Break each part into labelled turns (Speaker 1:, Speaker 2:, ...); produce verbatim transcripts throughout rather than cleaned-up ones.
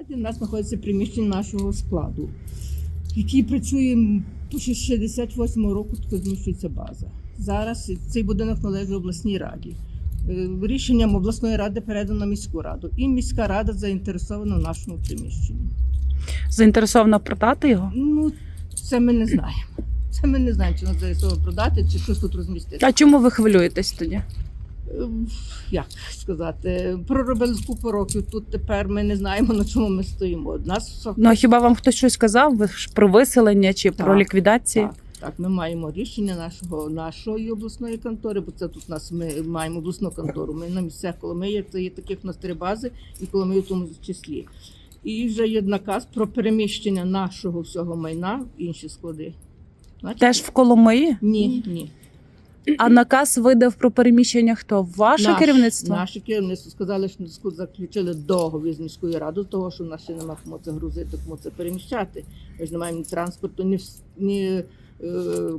Speaker 1: раді у нас знаходиться приміщення нашого складу, який працює з шістдесят восьмого року, тут зміщується база. Зараз цей будинок належить обласній раді. Рішенням обласної ради передано міську раду. І міська рада заінтересована в нашому приміщенні.
Speaker 2: Заінтересована продати його?
Speaker 1: Ну, це ми не знаємо. Це ми не знаємо, чи нас заінтересовано продати, чи щось тут розмістити.
Speaker 2: А чому ви хвилюєтесь тоді?
Speaker 1: Як сказати, проробили купу років, тут тепер ми не знаємо, на чому ми стоїмо. Нас...
Speaker 2: Ну, а хіба вам хтось щось сказав про виселення чи
Speaker 1: Так,
Speaker 2: про ліквідацію?
Speaker 1: Так, так, ми маємо рішення нашого, нашої обласної контори, бо це тут у нас ми маємо обласну контору. Ми на місцях Коломиї, це є таких у нас три бази, і Коломиї в тому числі. І вже є наказ про переміщення нашого всього майна в інші склади. Значить,
Speaker 2: Теж в Коломиї?
Speaker 1: Ні, ні.
Speaker 2: А наказ видав про переміщення хто? Ваше
Speaker 1: Наш,
Speaker 2: керівництво?
Speaker 1: Наше керівництво сказали, що ми заключили договір з міською радою, того, що в нас ще немає кому це грузити, кому це переміщати. Ми ж не маємо ні транспорту, ні, ні е,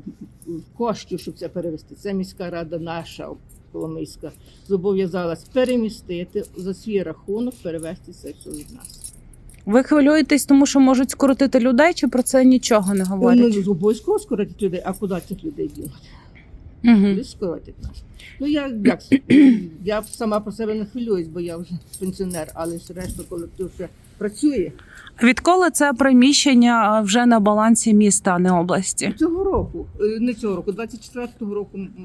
Speaker 1: коштів, щоб це перевезти. Це міська рада наша, Коломийська, зобов'язалась перемістити за свій рахунок, перевезти це все від нас.
Speaker 2: Ви хвилюєтесь, тому що можуть скоротити людей, чи про це нічого не говорять?
Speaker 1: Ну, обов'язково скоротять людей, а куди цих людей дінуть?
Speaker 2: Угу.
Speaker 1: Куди скоротять нас? Ну, я, як, я сама по себе не хвилююсь, бо я вже пенсіонер, але ж решта колектив ще працює.
Speaker 2: Відколи це приміщення вже на балансі міста, а не області?
Speaker 1: Цього року, е, не цього року, двадцять четвертого року, м,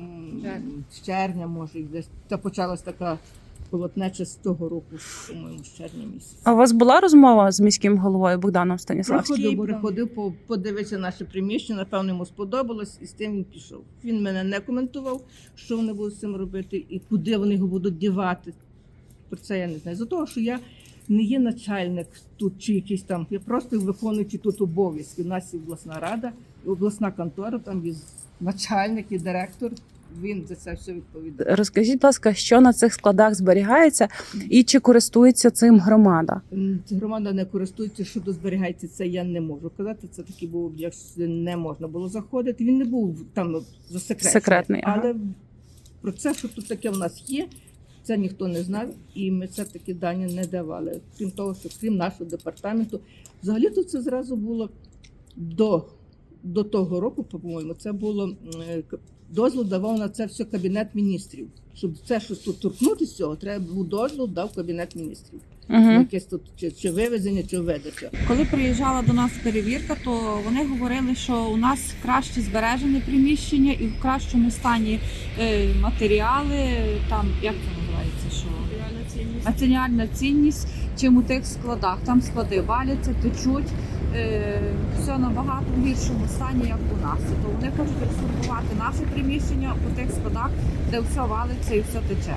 Speaker 1: з червня, може, десь та почалась така полотнеча з того року, по-моєму, з червня місяця.
Speaker 2: А у вас була розмова з міським головою Богданом Станіславським?
Speaker 1: Приходив, приходив, по- подивитися наше приміщення, напевно, йому сподобалось, і з тим він пішов. Він мене не коментував, що вони будуть з цим робити і куди вони його будуть дівати. Про це я не знаю. За того, що я не є начальник тут чи якийсь там, я просто виконуючи тут обов'язки. У нас є обласна рада, і обласна контора, там є начальник і директор, він за це все відповідає.
Speaker 2: Розкажіть, будь ласка, що на цих складах зберігається і чи користується цим громада?
Speaker 1: М, Громада не користується, що тут зберігається, це я не можу казати. Це такий був об'єкт, сюди не можна було заходити. Він не був там засекречений.
Speaker 2: Секретний, ага.
Speaker 1: Але про це, що тут таке в нас є, це ніхто не знав, і ми це такі дані не давали. Крім того, що крім нашого департаменту, взагалі тут це зразу було до, до того року, по-моєму, це було е, дозвіл давав на це все Кабінет міністрів. Щоб це, що тут торкнутися цього, треба був дозвіл, дав Кабінет міністрів.
Speaker 2: Угу.
Speaker 1: Якесь тут чи, чи вивезення, чи видача.
Speaker 3: Коли приїжджала до нас перевірка, то вони говорили, що у нас краще збережені приміщення і в кращому стані е, матеріали, там як це називається, що матеріальна цінність, чим у тих складах. Там склади валяться, течуть, е, все набагато в гіршому стані, як у нас. То вони хочуть реформувати наше приміщення у тих складах, де все валиться і все тече.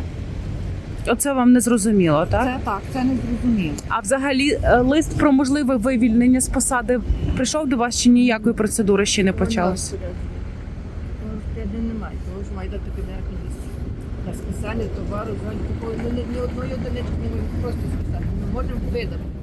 Speaker 2: Оце вам не зрозуміло, так?
Speaker 3: Це так, це не зрозуміло.
Speaker 2: А взагалі е, лист про можливе вивільнення з посади прийшов до вас чи ніякої процедури ще не почалось?
Speaker 1: Розпоряджень немає, тому що має дати Кабінет міністрів. На списання товару, взагалі такої ні, ні одної одиниці не можемо просто списати. Ми можемо видати.